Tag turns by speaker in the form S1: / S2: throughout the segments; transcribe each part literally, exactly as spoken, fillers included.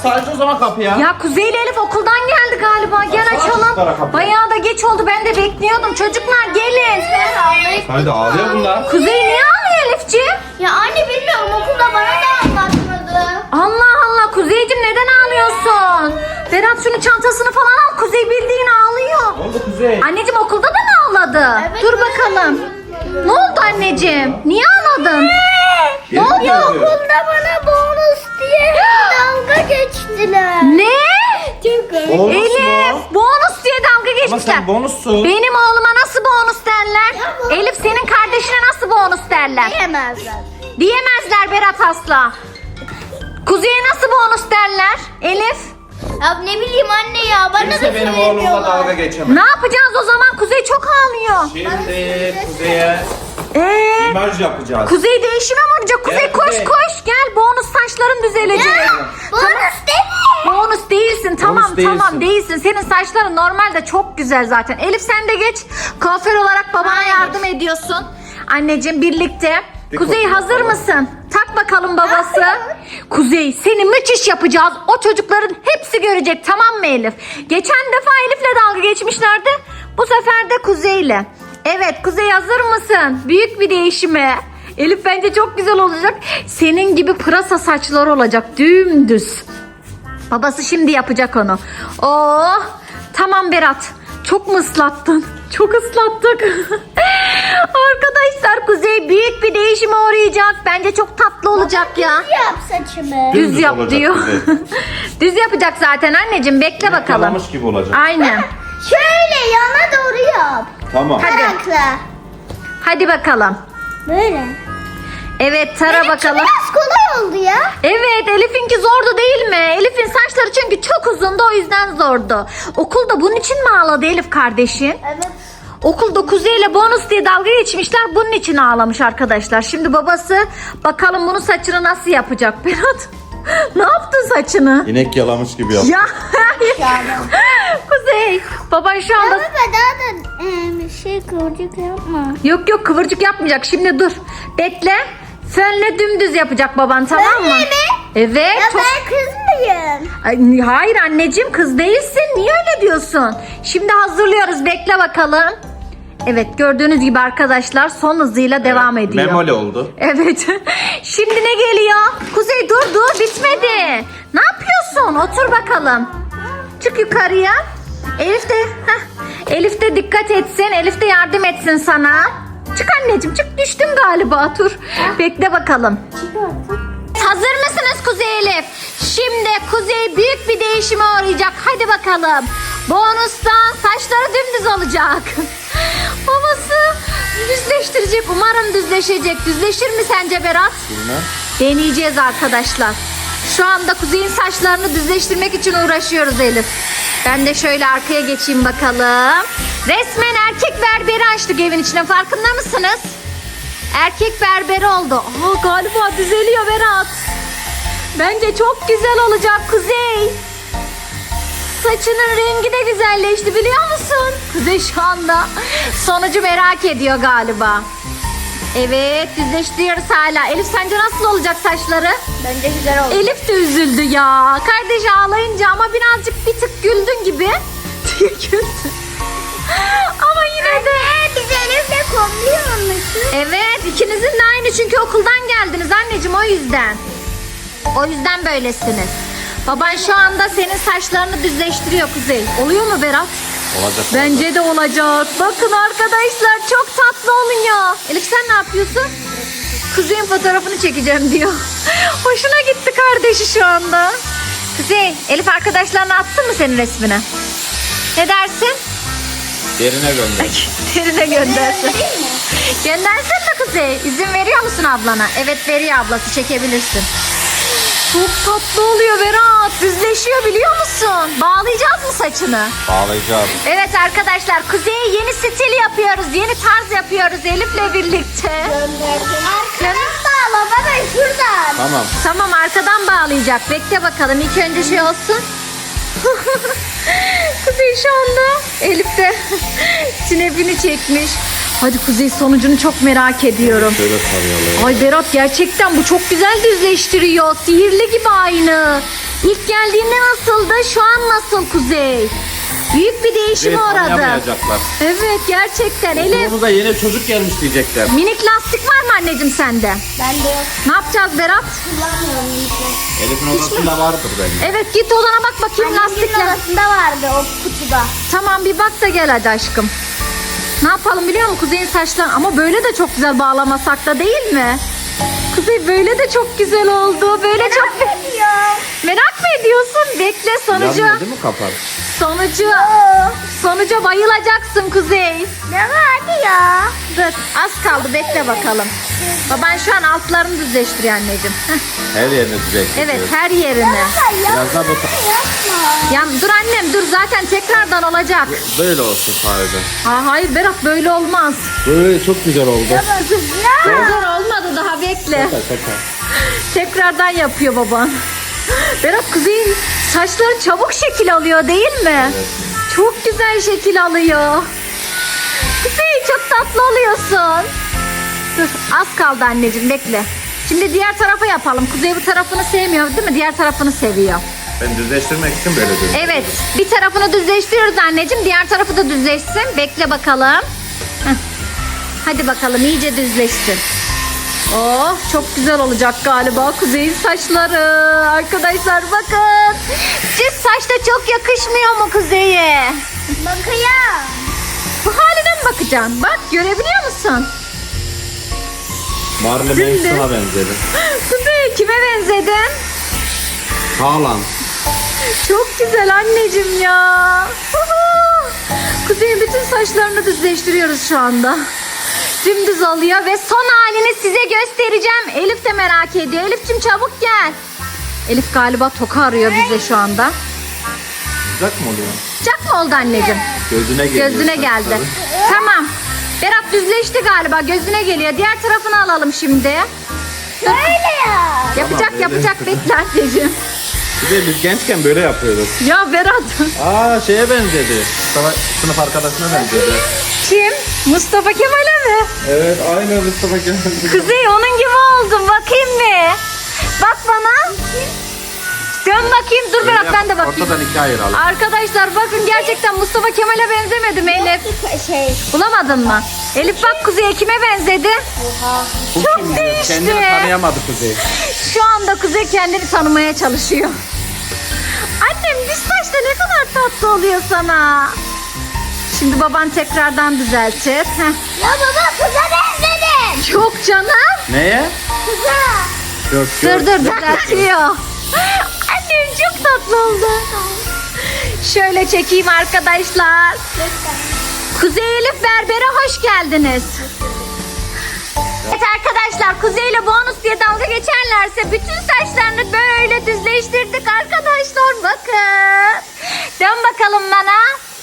S1: sadece o zaman kapıya.
S2: Ya Kuzey ile Elif okuldan geldi galiba. Gel
S1: Açsana çocuklara
S2: açalım.
S1: kapıyı.
S2: Bayağı da geç oldu. Ben de bekliyordum. Çocuklar gelin.
S1: Hadi ağlıyor bunlar.
S2: Kuzey niye ağlıyor Elifciğim?
S3: Ya anne bilmiyorum, okulda bana da anlatmadı.
S2: Allah Allah Kuzeyciğim neden ağlıyorsun? Berat şunun çantasını falan al. Kuzey bildiğin ağlıyor.
S1: Ne oldu Kuzey?
S2: Anneciğim okulda da mı ağladı?
S3: Evet,
S2: Dur
S3: öyle
S2: bakalım.
S3: yapıyorum.
S2: Ne oldu anneciğim? Niye ağladın?
S1: Gelin mi
S3: Ya
S1: yazıyor?
S3: okulda bana bonus diye dalga geçtiler.
S2: Ne?
S3: Çok garip.
S1: Bonus
S2: Elif
S1: mu?
S2: bonus diye dalga
S1: Ama
S2: geçmişler.
S1: sen bonussun.
S2: Benim oğluma nasıl bonus derler? Elif senin kardeşine nasıl bonus derler?
S3: Diyemezler.
S2: Diyemezler Berat asla. Kuzey'e nasıl bonus derler? Elif?
S3: Ya ne bileyim anne ya, bana da
S1: Kimse benim oğlumla
S3: söylemiyorlar.
S1: dalga geçemez.
S2: Ne yapacağız o zaman? Kuzey çok ağlıyor.
S1: Şimdi Kuzey'e
S2: Ee,
S1: imaj yapacağız.
S2: Kuzey değişime mi olacak? Kuzey
S1: Gel
S2: koş
S1: Kuzey.
S2: koş gel bonus saçların düzelecek.
S3: Bonus değil mi?
S2: Bonus değilsin tamam
S1: Bonus değilsin.
S2: tamam değilsin. Senin saçların normalde çok güzel zaten. Elif sen de geç. Kuaför olarak babana
S3: Hayır.
S2: yardım ediyorsun. Anneciğim birlikte.
S1: Bir
S2: Kuzey
S1: kopya
S2: hazır
S1: yapalım.
S2: mısın? Tak bakalım babası. Kuzey seni müthiş yapacağız. O çocukların hepsi görecek tamam mı Elif? Geçen defa Elif'le dalga geçmişlerdi. Bu sefer de Kuzey'le. Evet Kuzey hazır mısın? Büyük bir değişime. Elif bence çok güzel olacak. Senin gibi pırasa saçları olacak dümdüz. Babası şimdi yapacak onu. Oh, tamam Berat. Çok mu ıslattın? Çok ıslattık. Arkadaşlar Kuzey büyük bir değişime uğrayacak. Bence çok tatlı olacak ya.
S3: Yap saçımı.
S2: Düz
S1: Dümdüz
S2: yap
S1: olacak
S2: diyor.
S1: Kuzey.
S2: Düz yapacak zaten anneciğim. Bekle bakalım.
S1: Yalamış gibi olacak.
S2: Aynen.
S3: Şöyle yana doğru yap.
S1: Tamam.
S2: Hadi.
S3: Tarakla.
S2: Hadi bakalım.
S3: Böyle.
S2: Evet tara
S3: Benimki
S2: bakalım.
S3: biraz kolay oldu ya.
S2: Evet Elif'inki zordu değil mi? Elif'in saçları çünkü çok uzundu o yüzden zordu. Okulda bunun için mi ağladı Elif kardeşin?
S3: Evet.
S2: Okulda Kuzey'le bonus diye dalga geçmişler. Bunun için ağlamış arkadaşlar. Şimdi babası bakalım bunun saçını nasıl yapacak Berat? Ne yaptın saçını?
S1: İnek yalamış gibi yaptı.
S2: Ya Kuzey baban şu anda...
S3: Ama daha da e, bir şey kıvırcık yapma.
S2: Yok yok kıvırcık yapmayacak. Şimdi dur. Bekle. Fönle dümdüz yapacak baban tamam mı?
S3: Fönle mi?
S2: Evet.
S3: Ya
S2: çok-
S3: ben kız mıyım?
S2: Ay, hayır anneciğim kız değilsin. Niye öyle diyorsun? Şimdi hazırlıyoruz. Bekle bakalım. Evet gördüğünüz gibi arkadaşlar son hızıyla devam ediyor.
S1: Memoli oldu.
S2: Evet. Şimdi ne geliyor? Kuzey dur dur bitmedi. Ne yapıyorsun? Otur bakalım. Çık yukarıya. Elif de heh, Elif de dikkat etsin. Elif de yardım etsin sana. Çık anneciğim çık düştün galiba dur. Bekle bakalım. Hazır mısınız Kuzey Elif? Şimdi Kuzey büyük bir değişime uğrayacak. Hadi bakalım. Bonustan saçları dümdüz olacak. Babası düzleştirecek. Umarım düzleşecek. Düzleşir mi sence Berat?
S1: Bilmem.
S2: Deneyeceğiz arkadaşlar. Şu anda Kuzey'in saçlarını düzleştirmek için uğraşıyoruz Elif. Ben de şöyle arkaya geçeyim bakalım. Resmen erkek berberi açtık evin içine. Farkında mısınız? Erkek berberi oldu. Aa, galiba düzeliyor Berat. Bence çok güzel olacak Kuzey. Saçının rengi de güzelleşti biliyor musun? Kuzey şu anda sonucu merak ediyor galiba. Evet düzleştiriyoruz hala. Elif sence nasıl olacak saçları?
S3: Bence güzel oldu.
S2: Elif de üzüldü ya. Kardeşi ağlayınca ama birazcık bir tık güldün gibi. Güldün. Ama yine de.
S3: Biz Elif'le kombi olmuşuz.
S2: Evet ikinizin de aynı çünkü okuldan geldiniz anneciğim o yüzden. O yüzden böylesiniz. Baban şu anda senin saçlarını düzleştiriyor Kuzey. Oluyor mu Berat?
S1: Olacak.
S2: Bence de olacak. Bakın arkadaşlar çok tatlı oluyor. Elif sen ne yapıyorsun? Kuzey'in fotoğrafını çekeceğim diyor. Hoşuna gitti kardeşi şu anda. Kuzey, Elif arkadaşlarına atsın mı senin resmini? Ne dersin?
S1: Yerine gönder.
S2: Derine göndersin. Göndersin mi Kuzey? İzin veriyor musun ablana? Evet veriyor ablası çekebilirsin. Çok tatlı oluyor Berat. Düzleşiyor biliyor musun? Bağlayacağız mı saçını?
S1: Bağlayacağım.
S2: Evet arkadaşlar Kuzey'e yeni stil yapıyoruz. Yeni tarz yapıyoruz Elif'le birlikte.
S3: Arkadan bağla baba şuradan.
S1: Tamam.
S2: Tamam arkadan bağlayacak. Bekle bakalım ilk önce şey olsun. Kuzey şu anda Elif de sinepini çekmiş. Hadi Kuzey sonucunu çok merak ediyorum.
S1: Şöyle sarıyalım.
S2: Ay Berat gerçekten bu çok güzel düzleştiriyor. Sihirli gibi aynı. İlk geldiğinde nasıldı? Şu an nasıl Kuzey? Büyük bir değişim
S1: Kuzey'i
S2: uğradı.
S1: tanıyamayacaklar.
S2: Evet gerçekten. Elif,
S1: Okulumuza yeni çocuk gelmiş diyecekler.
S2: minik lastik var mı anneciğim sende?
S3: Bende yok.
S2: Ne yapacağız Berat?
S3: Kullanmıyorum hiç.
S1: Elif'in odasında vardır bence.
S2: Evet git odana bak bakayım
S3: Annemin
S2: lastikler.
S3: odasında vardı o kutuda.
S2: Tamam bir bak da gel hadi aşkım. Ne yapalım biliyor musun Kuzey'in saçları ama böyle de çok güzel bağlamasak da değil mi? Kuzey böyle de çok güzel oldu. Böyle çok
S3: Ediyor.
S2: merak mı ediyorsun? Bekle sonucu.
S1: Yanmıyor değil mi kapar?
S2: Sonucu. Sonuca bayılacaksın Kuzey.
S3: Ne vardı ya?
S2: Dur az kaldı bekle bakalım. Baban şu an altlarını düzleştiriyor anneciğim. Heh,
S1: Her yerini düzeltiyor.
S2: evet her yerini.
S1: Biraz daha bu
S3: Yapma.
S2: Ya dur annem dur zaten tekrardan olacak.
S1: böyle olsun sadece.
S2: Ha, hayır Berat böyle olmaz.
S1: Böyle çok güzel oldu.
S2: Güzel olmadı daha bekle.
S1: Şaka şaka.
S2: Tekrardan yapıyor baban. Berat Kuzey'in saçları çabuk şekil alıyor değil mi? Çok güzel şekil alıyor. Kuzey çok tatlı oluyorsun. Dur az kaldı anneciğim bekle. Şimdi diğer tarafa yapalım. Kuzey bu tarafını sevmiyor değil mi? Diğer tarafını seviyor.
S1: Ben düzleştirmek için böyle diyorum.
S2: Evet bir tarafını düzleştiriyoruz anneciğim. Diğer tarafı da düzleşsin. Bekle bakalım. Heh. Hadi bakalım iyice düzleşsin. Oh çok güzel olacak galiba Kuzey'in saçları. Arkadaşlar bakın. Siz saçta çok yakışmıyor mu Kuzey'e?
S3: Bakayım.
S2: Bu haline mi bakacaksın? Bak görebiliyor musun?
S1: Marley
S2: Şimdi-
S1: Manson'a benzedi.
S2: Kuzey kime benzedin?
S1: Haaland.
S2: Çok güzel anneciğim ya. Kuzey'in bütün saçlarını düzleştiriyoruz şu anda. Dümdüz oluyor ve son halini size göstereceğim. Elif de merak ediyor. Elif'cim çabuk gel. Elif galiba toka arıyor bize şu anda.
S1: Sıcak mı oluyor?
S2: Sıcak mı oldu anneciğim?
S1: Gözüne geliyor.
S2: Gözüne geldi.
S1: saçları.
S2: Tamam. Berat düzleşti galiba. Gözüne geliyor. Diğer tarafını alalım şimdi.
S3: Böyle ya.
S2: Yapacak
S1: böyle
S2: yapacak bekle anneciğim.
S1: Bir de biz gençken böyle yapıyorduk.
S2: Ya Berat.
S1: Aa şeye benzedi. Mustafa sınıf arkadaşına benzedi.
S2: Kim? Mustafa Kemal'e mi?
S1: Evet aynı Mustafa Kemal.
S2: Kuzey onun gibi oldun. Bakayım mı? Bak bana. Dön bakayım. Dur Berat ben de bakayım.
S1: Ortadan ikiye ayıralım.
S2: Arkadaşlar bakın gerçekten Mustafa Kemal'e benzemedim Elif.
S3: Şey.
S2: Bulamadın mı? Elif bak Kuzey'e kime benzedi?
S1: Bu
S2: Çok
S1: kim?
S2: değişti.
S1: Kendini tanıyamadı Kuzey.
S2: Şu anda Kuzey kendini tanımaya çalışıyor. Annem düz saçta ne kadar tatlı oluyor sana. Şimdi baban tekrardan düzeltir. Heh.
S3: Ya baba kıza benzedim.
S2: Çok canım.
S1: Neye?
S3: Kıza.
S1: Yok
S2: Dur dur düzeltiyor. Annem çok tatlı oldu. Şöyle çekeyim arkadaşlar. Kuzey Elif Berber'e hoş geldiniz. Evet arkadaşlar Kuzey ile bonus diye dalga geçerlerse bütün saçlarını böyle düzleştirdik arkadaşlar bakın. Dön bakalım bana.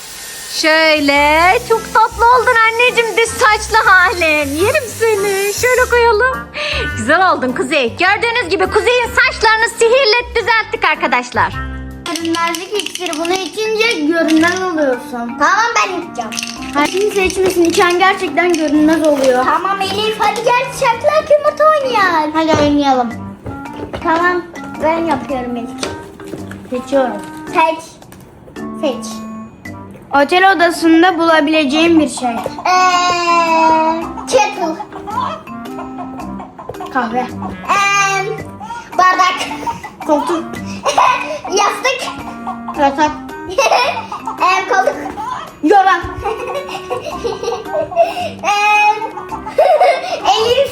S2: Şöyle çok tatlı oldun anneciğim düz saçlı halin. Yerim seni. Şöyle koyalım. Güzel oldun Kuzey. Gördüğünüz gibi Kuzey'in saçlarını sihirle düzelttik arkadaşlar.
S3: Görünmezlik iksiri bunu içince görünmez oluyorsun. Tamam ben içeceğim. Kimse içmesin içen gerçekten görünmez oluyor. Tamam Elif hadi gel çatlak yumurta oynayalım. Hadi oynayalım. Tamam ben yapıyorum Elif. Seçiyorum. Seç. Seç.
S4: Otel odasında bulabileceğim bir şey.
S3: Eee, kettle.
S4: Kahve.
S3: Eee, bardak.
S4: Koltuk.
S3: Yastık.
S4: Yatak.
S3: Eee, koltuk.
S4: Yoran.
S3: Eee, Elif.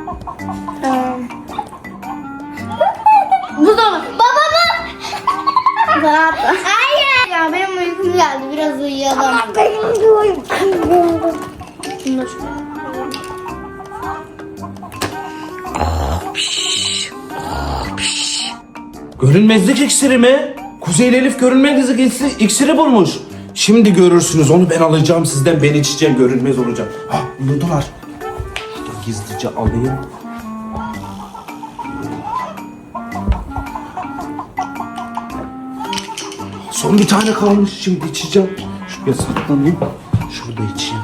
S4: Buzdolabı.
S3: Baba mı?
S4: Rahat.
S3: Hayır.
S4: Ya benim uykum geldi. Biraz uyuyalım.
S3: Benim de uykum geldi.
S4: Şunu da şuraya.
S5: Görünmezlik iksiri mi? Kuzey ile Elif görünmezlik iksiri, iksiri bulmuş. Şimdi görürsünüz onu ben alacağım sizden ben içeceğim görünmez olacağım. Ha uyudular. Gizlice alayım. Son bir tane kalmış şimdi içeceğim. Şuraya saklanayım. Şurada içeyim.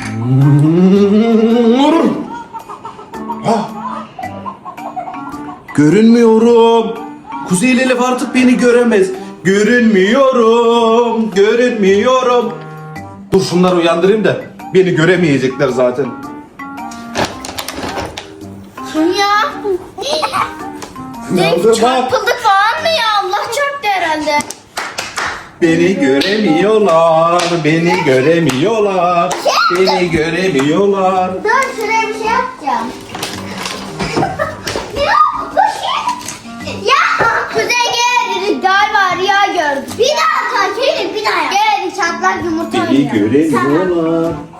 S5: Hmm. Ah. Görünmüyorum. Kuzey ile Elif artık beni göremez. Görünmüyorum. Görünmüyorum. Dur şunları uyandırayım da beni göremeyecekler zaten.
S3: Ya.
S5: Uyandır bak.
S3: Çarpıldık falan mı ya? Allah çarptı herhalde.
S5: Beni göremiyorlar. Beni göremiyorlar. Beni göremiyorlar.
S3: Dur şuraya bir şey yapacağım. ya bu şey. Ya Kuzey gel.
S4: Galiba rüya gördüm.
S3: Bir daha takip edin bir daha. Gel çatlak yumurta
S5: Beni
S3: oynayalım.
S5: göremiyorlar.